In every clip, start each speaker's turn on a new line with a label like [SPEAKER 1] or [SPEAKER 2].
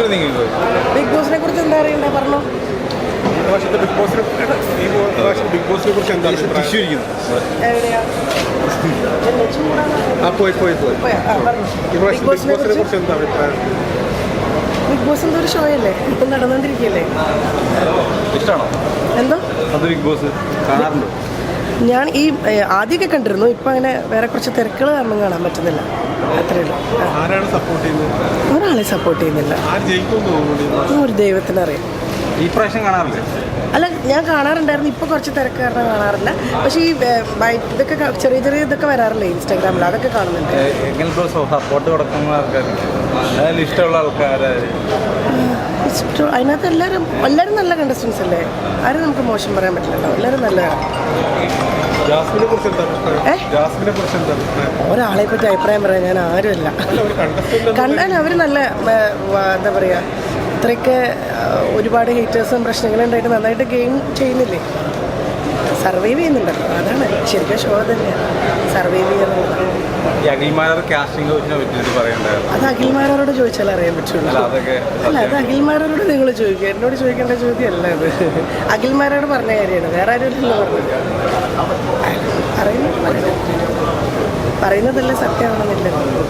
[SPEAKER 1] Big ബോസിനെ കുറിച്ച് എന്താ അറിയണ്ടേ പറഞ്ഞോ.
[SPEAKER 2] ബിഗ് ബോസിനെ കുറിച്ച് എന്താ
[SPEAKER 1] എവിടെയാ
[SPEAKER 2] ബിഗ് ബോസിനെ കുറിച്ച് എന്താ അഭിപ്രായം?
[SPEAKER 1] ബിഗ് ബോസ് എന്തോ ഒരു ഷോ അല്ലേ, ഇപ്പം നടന്നുകൊണ്ടിരിക്കുകയല്ലേ.
[SPEAKER 3] ഇഷ്ടമാണോ
[SPEAKER 1] എന്തോ
[SPEAKER 3] അത് ബിഗ് ബോസ് കാണാറുണ്ടോ?
[SPEAKER 1] ഞാൻ ഈ ആദ്യമൊക്കെ കണ്ടിരുന്നു, ഇപ്പം അങ്ങനെ വേറെ കുറച്ച് തിരക്കുകൾ കാരണം കാണാൻ പറ്റുന്നില്ല. അത്രേ ഉള്ളൂ.
[SPEAKER 2] ആരാണ് സപ്പോർട്ട് ചെയ്യുന്നത്?
[SPEAKER 1] ഒരാളെ സപ്പോർട്ട് ചെയ്യുന്നില്ല.
[SPEAKER 2] ആര് ജയിക്കുമെന്ന് തോന്നുന്നു?
[SPEAKER 1] ഒരു ദൈവത്തിനറിയാം.
[SPEAKER 3] ഈ പ്രാവശ്യം കാണാറില്ലേ?
[SPEAKER 1] അല്ല, ഞാൻ കാണാറുണ്ടായിരുന്നു, ഇപ്പോൾ കുറച്ച് തിരക്ക് കാരണം കാണാറില്ല. പക്ഷേ ഈ ഇതൊക്കെ ചെറിയ ചെറിയ ഇതൊക്കെ വരാറില്ലേ ഇൻസ്റ്റാഗ്രാമിൽ, അതൊക്കെ കാണുന്നുണ്ട്.
[SPEAKER 3] എങ്ങനെ സപ്പോർട്ട് കൊടുക്കുന്ന ആൾക്കാർ, അതിൽ ഇഷ്ടമുള്ള ആൾക്കാർ?
[SPEAKER 1] അതിനകത്ത് എല്ലാവരും നല്ല കണ്ടസ്റ്റൻസ് അല്ലേ, ആരും നമുക്ക് മോശം പറയാൻ പറ്റില്ലല്ലോ, എല്ലാവരും നല്ലതാണ്. ഒരാളെ പറ്റി അഭിപ്രായം പറയാൻ ഞാൻ ആരുമല്ല. കണ്ടാൽ അവർ നല്ല എന്താ പറയുക, ഇത്രയൊക്കെ ഒരുപാട് ഹേറ്റേഴ്സും പ്രശ്നങ്ങളും ഉണ്ടായിട്ട് നന്നായിട്ട് ഗെയിം ചെയ്യുന്നില്ലേ, സർവൈവ് ചെയ്യുന്നുണ്ടല്ലോ. അതാണ് ശരിക്കും ഷോ തന്നെയാണ് സർവൈവ് ചെയ്യുന്നത്. അത് അഖിൽമാരോട് ചോദിച്ചാൽ അറിയാൻ പറ്റുള്ളൂ. അല്ല, അത് അഖിൽമാരോട് നിങ്ങൾ ചോദിക്കുക, എന്നോട് ചോദിക്കേണ്ട ചോദ്യമല്ല അത്. അഖിൽമാരോട് പറഞ്ഞ കാര്യമാണ്, വേറെ ആരും പറയുന്നതല്ലേ സത്യമാണെന്നില്ല.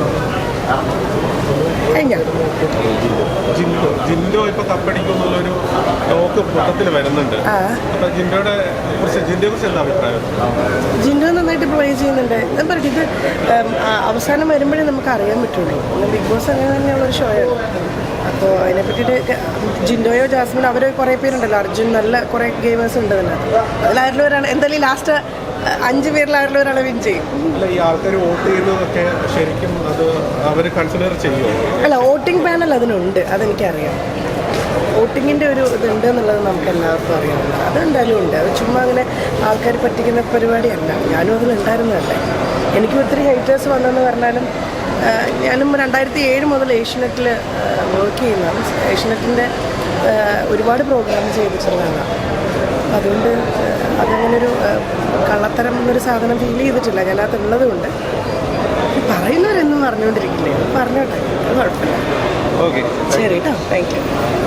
[SPEAKER 2] ജിൻഡോ ഇപ്പൊ കപ്പടിക്കുന്നുള്ളൊരു ടോക്ക് മൊത്തത്തിൽ വരുന്നുണ്ട്. അപ്പൊ ജിൻഡോയെ കുറിച്ച് എന്താ അഭിപ്രായം?
[SPEAKER 1] ജിൻഡോ നന്നായിട്ട് പ്ലേ ചെയ്യുന്നുണ്ട്. ഞാൻ പറയട്ടെ, ഇത് അവസാനം വരുമ്പോഴേ നമുക്ക് അറിയാൻ പറ്റുള്ളൂ. ബിഗ് ബോസ് അങ്ങനെ തന്നെയുള്ളൊരു ഷോയാണ്. അപ്പോൾ അതിനെ പറ്റിയിട്ട് ജിൻഡോയോ ജാസ്മിനോ അവർ കുറേ പേരുണ്ടല്ലോ, അർജുൻ, നല്ല കുറേ ഗെയിമേഴ്സ് ഉണ്ട് തന്നെ. അതിലായിരുന്നു ഒരാൾ എന്തായാലും ലാസ്റ്റ് 5 പേരിലായിരുന്നു ഒരാളെ വിൻ ചെയ്യും.
[SPEAKER 2] ഈ ആൾക്കാർ വോട്ട് ചെയ്യുന്നതൊക്കെ ശരിക്കും അത് അവർ കൺസിഡർ ചെയ്യുമോ?
[SPEAKER 1] അല്ല, വോട്ടിംഗ് പാനൽ അതിനുണ്ട്, അതെനിക്കറിയാം. വോട്ടിങ്ങിൻ്റെ ഒരു ഇതുണ്ട് എന്നുള്ളത് നമുക്ക് എല്ലാവർക്കും അറിയാവുന്നത്. അതെന്തായാലും ഉണ്ട്. അത് ചുമ്മാ അങ്ങനെ ആൾക്കാർ പറ്റിക്കുന്ന പരിപാടിയല്ല. ഞാനും അതിലുണ്ടായിരുന്നതല്ലേ. എനിക്കും ഒത്തിരി ഹൈറ്റേഴ്സ് വന്നെന്ന് പറഞ്ഞാലും ഞാനും 2007 മുതൽ ഏഷ്യനെറ്റിൽ വർക്ക് ചെയ്യുന്നതാണ്. ഏഷ്യനെറ്റിൻ്റെ ഒരുപാട് പ്രോഗ്രാം ചെയ്തിട്ടുള്ളതാണ്. അതുകൊണ്ട് അതങ്ങനൊരു കള്ളത്തരം എന്നൊരു സാധനം ഫീൽ ചെയ്തിട്ടില്ല ഞാനകത്തുള്ളത് കൊണ്ട്. പറയുന്നവരെന്നും പറഞ്ഞുകൊണ്ടിരിക്കില്ലേ, പറഞ്ഞോട്ടെ, അത് കുഴപ്പമില്ല.
[SPEAKER 3] ഓക്കെ,
[SPEAKER 1] ശരി കേട്ടോ, താങ്ക് യു.